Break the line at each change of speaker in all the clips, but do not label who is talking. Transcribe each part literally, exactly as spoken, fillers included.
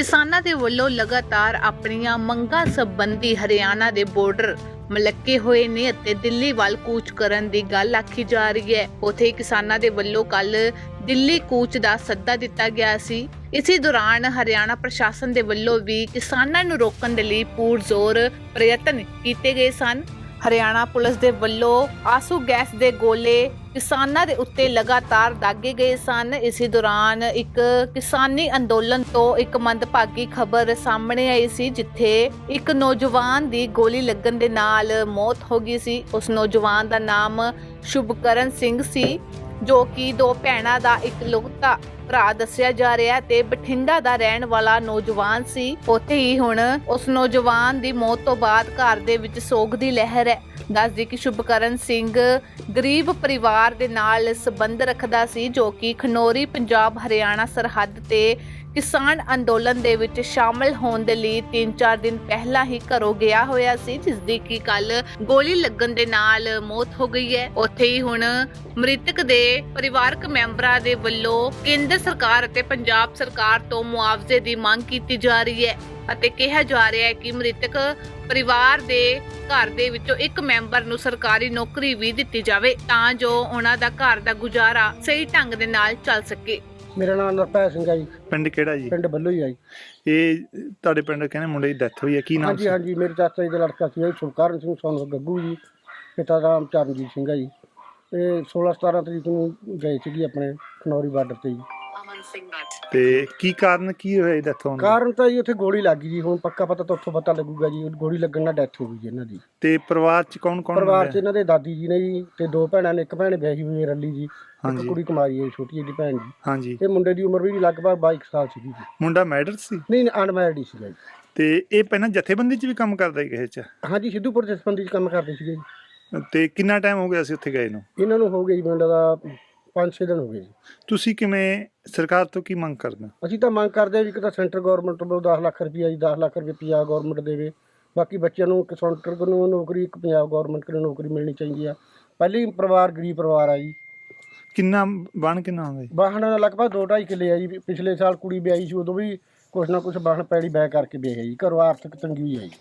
ਕਿਸਾਨਾਂ ਦੇ ਵੱਲੋਂ ਲਗਾਤਾਰ ਆਪਣੀਆਂ ਮੰਗਾਂ ਸੰਬੰਧੀ ਹਰਿਆਣਾ ਦੇ ਬਾਰਡਰ ਮਲੱਕੇ ਹੋਏ ਨੇ ਅਤੇ ਦਿੱਲੀ ਵੱਲ ਕੂਚ ਕਰਨ ਦੀ ਗੱਲ ਆਖੀ ਜਾ ਰਹੀ ਹੈ। ਉੱਥੇ ਕਿਸਾਨਾਂ ਦੇ ਵੱਲੋਂ ਕੱਲ ਦਿੱਲੀ ਕੂਚ ਦਾ ਸੱਦਾ ਦਿੱਤਾ ਗਿਆ ਸੀ। ਇਸੇ ਦੌਰਾਨ ਹਰਿਆਣਾ ਪ੍ਰਸ਼ਾਸਨ ਦੇ ਵੱਲੋਂ ਵੀ ਕਿਸਾਨਾਂ ਨੂੰ ਰੋਕਣ ਦੇ ਲਈ ਪੂਰਜ਼ੋਰ ਪ੍ਰਯਤਨ ਕੀਤੇ ਗਏ ਸਨ। ਹਰਿਆਣਾ ਪੁਲਿਸ ਦੇ ਵੱਲੋਂ ਆਸੂ ਗੈਸ ਦੇ ਗੋਲੇ ਕਿਸਾਨਾਂ ਦੇ ਉੱਤੇ ਲਗਾਤਾਰ ਦਾਗੇ ਗਏ ਸਨ। ਇਸੇ ਦੌਰਾਨ ਇੱਕ ਕਿਸਾਨੀ ਅੰਦੋਲਨ ਤੋਂ ਇੱਕ ਮੰਦਭਾਗੀ ਖਬਰ ਸਾਹਮਣੇ ਆਈ ਸੀ, ਜਿੱਥੇ ਇੱਕ ਨੌਜਵਾਨ ਦੀ ਗੋਲੀ ਲੱਗਣ ਦੇ ਨਾਲ ਮੌਤ ਹੋ ਗਈ ਸੀ। ਉਸ ਨੌਜਵਾਨ ਦਾ ਨਾਮ ਸ਼ੁਭਕਰਨ ਸਿੰਘ ਸੀ, ਜੋ ਕਿ ਦੋ ਭੈਣਾਂ ਦਾ ਇਕਲੌਤਾ ਭਰਾ ਦੱਸਿਆ ਜਾ ਰਿਹਾ ਤੇ ਬਠਿੰਡਾ ਦਾ ਰਹਿਣ ਵਾਲਾ ਨੌਜਵਾਨ ਸੀ। ਉੱਥੇ ਹੀ ਹੁਣ ਉਸ ਨੌਜਵਾਨ ਦੀ ਮੌਤ ਤੋਂ ਬਾਅਦ ਘਰ ਦੇ ਵਿੱਚ ਸੋਗ ਦੀ ਲਹਿਰ ਹੈ। ਦੱਸਦੀ ਕਿ ਸ਼ੁਭਕਰਨ ਸਿੰਘ ਗਰੀਬ ਪਰਿਵਾਰ ਦੇ ਨਾਲ ਸੰਬੰਧ ਰੱਖਦਾ ਸੀ, ਜੋ ਕਿ ਖਨੌਰੀ ਪੰਜਾਬ ਹਰਿਆਣਾ ਸਰਹੱਦ ਤੇ ਕਿਸਾਨ ਅੰਦੋਲਨ ਦੇ ਵਿੱਚ ਸ਼ਾਮਲ ਹੋਣ ਦੇ ਲਈ ਤਿੰਨ ਚਾਰ ਦਿਨ ਪਹਿਲਾਂ ਹੀ ਘਰੋਂ ਗਿਆ ਹੋਇਆ ਸੀ, ਜਿਸ ਦੀ ਕਿ ਕੱਲ ਗੋਲੀ ਲੱਗਣ ਦੇ ਨਾਲ ਮੌਤ ਹੋ ਗਈ ਹੈ। ਉੱਥੇ ਹੀ ਹੁਣ ਮ੍ਰਿਤਕ ਦੇ ਪਰਿਵਾਰਕ ਮੈਂਬਰਾਂ ਦੇ ਵੱਲੋਂ ਕੇਂਦਰ ਸਰਕਾਰ ਅਤੇ ਪੰਜਾਬ ਸਰਕਾਰ ਤੋਂ ਮੁਆਵਜ਼ੇ ਦੀ ਮੰਗ ਕੀਤੀ ਜਾ ਰਹੀ ਹੈ ਅਤੇ ਕਿਹਾ ਜਾ ਰਿਹਾ ਹੈ ਕਿ ਮ੍ਰਿਤਕ ਪਰਿਵਾਰ ਦੇ ਘਰ ਦੇ ਵਿੱਚੋਂ ਇੱਕ ਮੈਂਬਰ ਨੂੰ ਸਰਕਾਰੀ ਨੌਕਰੀ ਵੀ ਦਿੱਤੀ ਜਾਵੇ, ਤਾਂ ਜੋ ਉਹਨਾਂ ਦਾ ਘਰ ਦਾ ਗੁਜ਼ਾਰਾ ਸਹੀ ਢੰਗ ਦੇ ਨਾਲ ਚੱਲ ਸਕੇ।
ਮੇਰਾ ਨਾਮ ਨਰਪੈ ਸਿੰਘ ਹੈ ਜੀ।
ਪਿੰਡ ਕਿਹੜਾ ਜੀ?
ਪਿੰਡ ਬੱਲੂ ਹੀ ਆ ਜੀ।
ਇਹ ਤੁਹਾਡੇ ਪਿੰਡ ਕਹਿੰਦੇ ਮੁੰਡੇ ਦੀ ਡੈਥ ਹੋਈ ਹੈ, ਕੀ ਨਾਮ
ਹਾਂਜੀ
ਸੀ?
ਹਾਂਜੀ ਮੇਰੇ ਚਾਚਾ ਜੀ ਦਾ ਲੜਕਾ ਸੀ ਸ਼ੁਭਕਰਨ ਸਿੰਘ ਸੋਨ ਗੱਗੂ ਜੀ, ਪਿਤਾ ਦਾ ਨਾਮ ਚਰਨਜੀਤ ਸਿੰਘ ਹੈ ਜੀ। ਇਹ ਸੋਲਾਂ ਸਤਾਰਾਂ ਤਰੀਕ ਨੂੰ ਗਏ ਸੀਗੀ ਆਪਣੇ ਖਨੌਰੀ ਬਾਰਡਰ ਤੇ ਜੀ।
ਤੇ ਕੀ ਕਾਰਨ ਕੀ ਹੋਇਆ ਡੈਥ ਹੋਣ ਦਾ?
ਕਾਰਨ ਤਾਂ ਜੀ ਉੱਥੇ ਗੋਲੀ ਲੱਗ ਗਈ ਜੀ। ਹੁਣ ਪੱਕਾ ਪਤਾ ਤਾਂ ਉੱਥੋਂ ਪਤਾ ਲੱਗੂਗਾ ਜੀ। ਗੋਲੀ ਲੱਗਣ ਨਾਲ ਡੈਥ ਹੋ ਗਈ ਜੀ ਇਹਨਾਂ ਦੀ।
ਤੇ ਪਰਿਵਾਰ ਚ ਕੌਣ ਕੌਣ?
ਪਰਿਵਾਰ 'ਚ ਇਹਨਾਂ ਦੇ ਦਾਦੀ ਜੀ ਨੇ ਜੀ ਤੇ ਦੋ ਭੈਣਾਂ ਨੇ। ਇੱਕ ਭੈਣ ਵਿਆਹੀ ਹੋਈ ਹੈ ਰੱਲੀ ਜੀ, ਇੱਕ ਕੁੜੀ ਕੁਮਾਰੀ ਹੈ ਛੋਟੀ ਜਿਹੀ ਭੈਣ ਜੀ।
ਹਾਂਜੀ।
ਤੇ ਮੁੰਡੇ ਦੀ ਉਮਰ ਵੀ ਲਗਭਗ ਬਾਈ ਸਾਲ ਸੀਗੀ ਜੀ।
ਮੁੰਡਾ ਮੈਰਿਡ ਸੀ?
ਨਹੀਂ ਅਨਮੈਰਿਡ ਹੀ ਸੀਗਾ ਜੀ।
ਤੇ ਇਹ ਪਹਿਲਾਂ ਜਥੇਬੰਦੀ ਚ ਵੀ ਕੰਮ ਕਰਦਾ ਸੀ ਕਿਸੇ ਚ?
ਹਾਂਜੀ ਸਿੱਧੂਪੁਰ ਜਥੇਬੰਦੀ 'ਚ ਕੰਮ ਕਰਦੇ ਸੀਗੇ ਜੀ।
ਤੇ ਕਿੰਨਾ ਟਾਈਮ ਹੋ ਗਿਆ ਸੀ ਉੱਥੇ ਗਏ ਨੂੰ?
ਇਹਨਾਂ ਨੂੰ ਹੋ ਗਏ ਜੀ ਮੁੰਡਾ ਦਾ ਪੰਜ ਛੇ ਦਿਨ ਹੋ ਗਏ ਜੀ।
ਤੁਸੀਂ ਕਿਵੇਂ ਸਰਕਾਰ ਤੋਂ ਕੀ ਮੰਗ ਕਰਦੇ?
ਅਸੀਂ ਤਾਂ ਮੰਗ ਕਰਦੇ ਹਾਂ ਵੀ ਇੱਕ ਤਾਂ ਸੈਂਟਰ ਗੌਰਮੈਂਟ ਵੱਲੋਂ ਦਸ ਲੱਖ ਰੁਪਈਆ ਜੀ ਦਸ ਲੱਖ ਰੁਪਏ ਪੰਜਾਬ ਗੌਰਮੈਂਟ ਦੇਵੇ। ਬਾਕੀ ਬੱਚਿਆਂ ਨੂੰ ਇੱਕ ਸੈਂਟਰ ਨੂੰ ਨੌਕਰੀ, ਇੱਕ ਪੰਜਾਬ ਗੌਰਮੈਂਟ ਨੂੰ ਨੌਕਰੀ ਮਿਲਣੀ ਚਾਹੀਦੀ ਆ। ਪਹਿਲੀ ਪਰਿਵਾਰ ਗਰੀਬ ਪਰਿਵਾਰ ਆ ਜੀ।
ਕਿੰਨਾ ਬਣ ਕਿੰਨਾ ਹੁੰਦਾ ਜੀ?
ਵਾਹਣ ਲਗਭਗ ਦੋ ਢਾਈ ਕਿੱਲੇ ਆ ਜੀ। ਪਿਛਲੇ ਸਾਲ ਕੁੜੀ ਵਿਆਹੀ ਸੀ, ਉਦੋਂ ਵੀ ਕੁਛ ਨਾ ਕੁਛ ਵਾਹਣ ਪੈੜੀ ਬੈ ਕਰਕੇ ਵਿਆਹੀ ਜੀ। ਘਰੋਂ ਆਰਥਿਕ ਤੰਗੀ ਹੋਈ ਹੈ ਜੀ।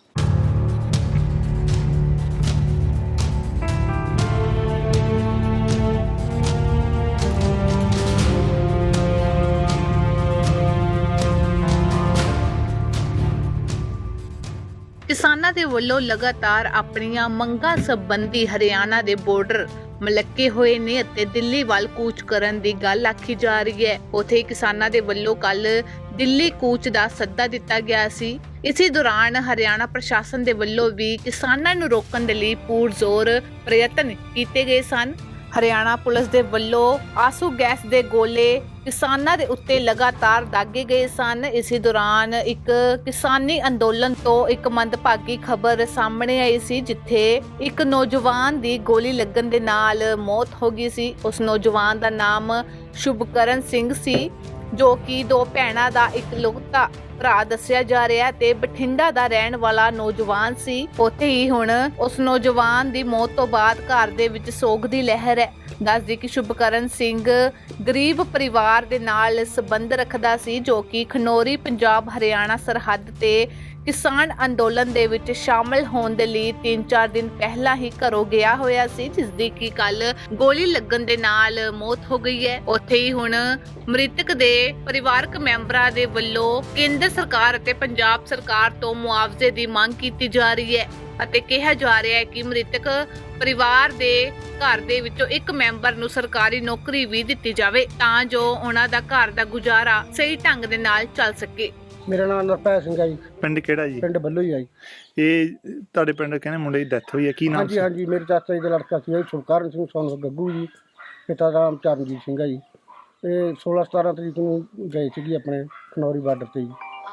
ਕਿਸਾਨਾਂ ਦੇ ਵੱਲੋਂ ਲਗਾਤਾਰ ਆਪਣੀਆਂ ਮੰਗਾਂ ਸੰਬੰਧੀ ਹਰਿਆਣਾ ਦੇ ਬਾਰਡਰ ਮਲੱਕੇ ਹੋਏ ਨੇ ਅਤੇ ਦਿੱਲੀ ਵੱਲ ਕੂਚ ਕਰਨ ਦੀ ਗੱਲ ਆਖੀ ਜਾ ਰਹੀ ਹੈ। ਉੱਥੇ ਕਿਸਾਨਾਂ ਦੇ ਵੱਲੋਂ ਕੱਲ ਦਿੱਲੀ ਕੂਚ ਦਾ ਸੱਦਾ ਦਿੱਤਾ ਗਿਆ ਸੀ। ਇਸੇ ਦੌਰਾਨ ਹਰਿਆਣਾ ਪ੍ਰਸ਼ਾਸਨ ਦੇ ਵੱਲੋਂ ਵੀ ਕਿਸਾਨਾਂ ਨੂੰ ਰੋਕਣ ਦੇ ਲਈ ਪੂਰਜ਼ੋਰ ਪ੍ਰਯਤਨ ਕੀਤੇ ਗਏ ਸਨ। ਹਰਿਆਣਾ ਪੁਲਿਸ ਦੇ ਵੱਲੋਂ ਆਸੂ ਗੈਸ ਦੇ ਗੋਲੇ ਕਿਸਾਨਾਂ ਦੇ ਉੱਤੇ ਲਗਾਤਾਰ ਦਾਗੇ ਗਏ ਸਨ। ਇਸੇ ਦੌਰਾਨ ਇੱਕ ਕਿਸਾਨੀ ਅੰਦੋਲਨ ਤੋਂ ਇੱਕ ਮੰਦਭਾਗੀ ਖਬਰ ਸਾਹਮਣੇ ਆਈ ਸੀ, ਜਿੱਥੇ ਇੱਕ ਨੌਜਵਾਨ ਦੀ ਗੋਲੀ ਲੱਗਣ ਦੇ ਨਾਲ ਮੌਤ ਹੋ ਗਈ ਸੀ। ਉਸ ਨੌਜਵਾਨ ਦਾ ਨਾਮ ਸ਼ੁਭਕਰਨ ਸਿੰਘ ਸੀ, ਜੋ ਕਿ ਦੋ ਭੈਣਾਂ ਦਾ ਇਕਲੌਤਾ ਭਰਾ ਦੱਸਿਆ ਜਾ ਰਿਹਾ ਤੇ ਬਠਿੰਡਾ ਦਾ ਰਹਿਣ ਵਾਲਾ ਨੌਜਵਾਨ ਸੀ। ਉੱਥੇ ਹੀ ਹੁਣ ਉਸ ਨੌਜਵਾਨ ਦੀ ਮੌਤ ਤੋਂ ਬਾਅਦ ਘਰ ਦੇ ਵਿੱਚ ਸੋਗ ਦੀ ਲਹਿਰ ਹੈ। ਦੱਸਦੀ ਕਿ ਸ਼ੁਭਕਰਨ ਸਿੰਘ ਗਰੀਬ ਪਰਿਵਾਰ ਦੇ ਨਾਲ ਸੰਬੰਧ ਰੱਖਦਾ ਸੀ, ਜੋ ਕਿ ਖਨੌਰੀ ਪੰਜਾਬ ਹਰਿਆਣਾ ਸਰਹੱਦ ਤੇ ਕਿਸਾਨ ਅੰਦੋਲਨ ਦੇ ਵਿੱਚ ਸ਼ਾਮਲ ਹੋਣ ਦੇ ਲਈ ਤਿੰਨ ਚਾਰ ਦਿਨ ਪਹਿਲਾਂ ਹੀ ਘਰੋਂ ਗਿਆ ਹੋਇਆ ਸੀ, ਜਿਸ ਦੀ ਕਿ ਕੱਲ ਗੋਲੀ ਲੱਗਣ ਦੇ ਨਾਲ ਮੌਤ ਹੋ ਗਈ ਹੈ। ਉੱਥੇ ਹੀ ਹੁਣ ਮ੍ਰਿਤਕ ਦੇ ਪਰਿਵਾਰਕ ਮੈਂਬਰਾਂ ਦੇ ਵੱਲੋਂ ਕੇਂਦਰ ਸਰਕਾਰ ਅਤੇ ਪੰਜਾਬ ਸਰਕਾਰ ਤੋਂ ਮੁਆਵਜ਼ੇ ਦੀ ਮੰਗ ਕੀਤੀ ਜਾ ਰਹੀ ਹੈ ਅਤੇ ਕਿਹਾ ਜਾ ਰਿਹਾ ਹੈ ਕਿ ਮ੍ਰਿਤਕ ਪਰਿਵਾਰ ਦੇ ਘਰ ਦੇ ਵਿੱਚੋਂ ਇੱਕ ਮੈਂਬਰ ਨੂੰ ਸਰਕਾਰੀ ਨੌਕਰੀ ਵੀ ਦਿੱਤੀ ਜਾਵੇ, ਤਾਂ ਜੋ ਉਹਨਾਂ ਦਾ ਘਰ ਦਾ ਗੁਜ਼ਾਰਾ ਸਹੀ ਢੰਗ ਦੇ ਨਾਲ ਚੱਲ ਸਕੇ।
ਮੇਰਾ ਨਾਮ ਨਰਪੈ ਸਿੰਘ ਹੈ ਜੀ।
ਪਿੰਡ ਕਿਹੜਾ ਜੀ?
ਪਿੰਡ ਬੱਲੂ ਹੀ ਆ ਜੀ।
ਇਹ ਤੁਹਾਡੇ ਪਿੰਡ ਕਹਿੰਦੇ ਮੁੰਡੇ ਦੀ ਡੈਥ ਹੋਈ ਹੈ, ਕੀ ਨਾਮ
ਹਾਂਜੀ
ਸੀ?
ਹਾਂਜੀ ਮੇਰੇ ਚਾਚਾ ਜੀ ਦਾ ਲੜਕਾ ਸੀ ਸ਼ੁਭਕਰਨ ਸਿੰਘ ਸੋਨ ਗੱਗੂ ਜੀ, ਪਿਤਾ ਦਾ ਨਾਮ ਚਰਨਜੀਤ ਸਿੰਘ ਹੈ ਜੀ। ਇਹ ਸੋਲਾਂ ਸਤਾਰਾਂ ਤਰੀਕ ਨੂੰ ਗਏ ਸੀਗੇ ਆਪਣੇ ਖਨੌਰੀ ਬਾਰਡਰ ਤੇ ਜੀ।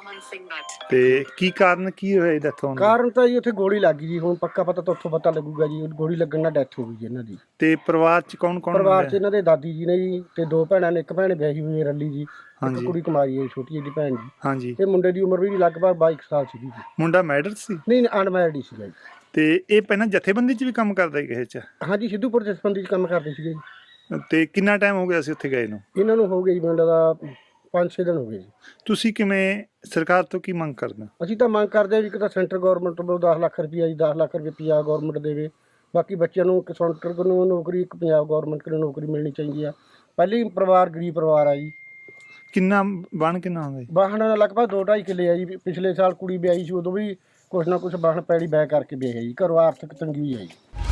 ਤੇ ਕੀ ਕਾਰਨ ਕੀ ਹੋਇਆ ਡੈਥ ਹੋਣ ਦਾ?
ਕਾਰਨ ਤਾਂ ਜੀ ਉੱਥੇ ਗੋਲੀ ਲੱਗ ਗਈ ਜੀ। ਹੁਣ ਪੱਕਾ ਪਤਾ ਤਾਂ ਉੱਥੋਂ ਪਤਾ ਲੱਗੂਗਾ ਜੀ। ਗੋਲੀ ਲੱਗਣ ਨਾਲ ਡੈਥ ਹੋ ਗਈ ਜੀ ਇਹਨਾਂ ਦੀ।
ਤੇ ਪਰਿਵਾਰ ਚ ਕੌਣ ਕੌਣ?
ਪਰਿਵਾਰ 'ਚ ਇਹਨਾਂ ਦੇ ਦਾਦੀ ਜੀ ਨੇ ਜੀ ਤੇ ਦੋ ਭੈਣਾਂ ਨੇ। ਇੱਕ ਭੈਣ ਵਿਆਹੀ ਹੋਈ ਹੈ ਰੱਲੀ ਜੀ, ਇੱਕ ਕੁੜੀ ਕੁਮਾਰੀ ਹੈ ਛੋਟੀ ਜਿਹੀ ਭੈਣ ਜੀ।
ਹਾਂਜੀ।
ਤੇ ਮੁੰਡੇ ਦੀ ਉਮਰ ਵੀ ਲਗਭਗ ਬਾਈ ਸਾਲ ਸੀਗੀ ਜੀ।
ਮੁੰਡਾ ਮੈਰਿਡ ਸੀ?
ਨਹੀਂ ਅਨਮੈਰਿਡ ਹੀ ਸੀਗਾ ਜੀ।
ਤੇ ਇਹ ਪਹਿਲਾਂ ਜਥੇਬੰਦੀ ਚ ਵੀ ਕੰਮ ਕਰਦਾ ਸੀ ਕਿਸੇ ਚ?
ਹਾਂਜੀ ਸਿੱਧੂਪੁਰ ਜਥੇਬੰਦੀ 'ਚ ਕੰਮ ਕਰਦੇ ਸੀਗੇ ਜੀ।
ਤੇ ਕਿੰਨਾ ਟਾਈਮ ਹੋ ਗਿਆ ਸੀ ਉੱਥੇ ਗਏ ਨੂੰ?
ਇਹਨਾਂ ਨੂੰ ਹੋ ਗਈ ਮੁੰਡਾ ਦਾ ਪੰਜ ਛੇ ਦਿਨ ਹੋ ਗਏ ਜੀ।
ਤੁਸੀਂ ਕਿਵੇਂ ਸਰਕਾਰ ਤੋਂ ਕੀ ਮੰਗ ਕਰਦੇ ਹੋ?
ਅਸੀਂ ਤਾਂ ਮੰਗ ਕਰਦੇ ਹਾਂ ਵੀ ਇੱਕ ਤਾਂ ਸੈਂਟਰ ਗੌਰਮੈਂਟ ਵੱਲੋਂ ਦਸ ਲੱਖ ਰੁਪਈਆ ਜੀ ਦਸ ਲੱਖ ਰੁਪਏ ਪੰਜਾਬ ਗੌਰਮੈਂਟ ਦੇਵੇ। ਬਾਕੀ ਬੱਚਿਆਂ ਨੂੰ ਇੱਕ ਸੈਂਟਰ ਨੂੰ ਨੌਕਰੀ, ਇੱਕ ਪੰਜਾਬ ਗੌਰਮੈਂਟ ਨੂੰ ਨੌਕਰੀ ਮਿਲਣੀ ਚਾਹੀਦੀ ਆ। ਪਹਿਲੀ ਪਰਿਵਾਰ ਗਰੀਬ ਪਰਿਵਾਰ ਆ ਜੀ।
ਕਿੰਨਾ ਬਣ ਕਿੰਨਾ ਹੁੰਦਾ ਜੀ?
ਵਾਹਣ ਲਗਭਗ ਦੋ ਢਾਈ ਕਿੱਲੇ ਆ ਜੀ। ਪਿਛਲੇ ਸਾਲ ਕੁੜੀ ਵਿਆਹੀ ਸੀ, ਉਦੋਂ ਵੀ ਕੁਛ ਨਾ ਕੁਛ ਵਾਹਣ ਪੈੜੀ ਬੈ ਕਰਕੇ ਵਿਆਹੀ ਜੀ। ਘਰੋਂ ਆਰਥਿਕ ਤੰਗੀ ਹੋਈ ਆ ਜੀ।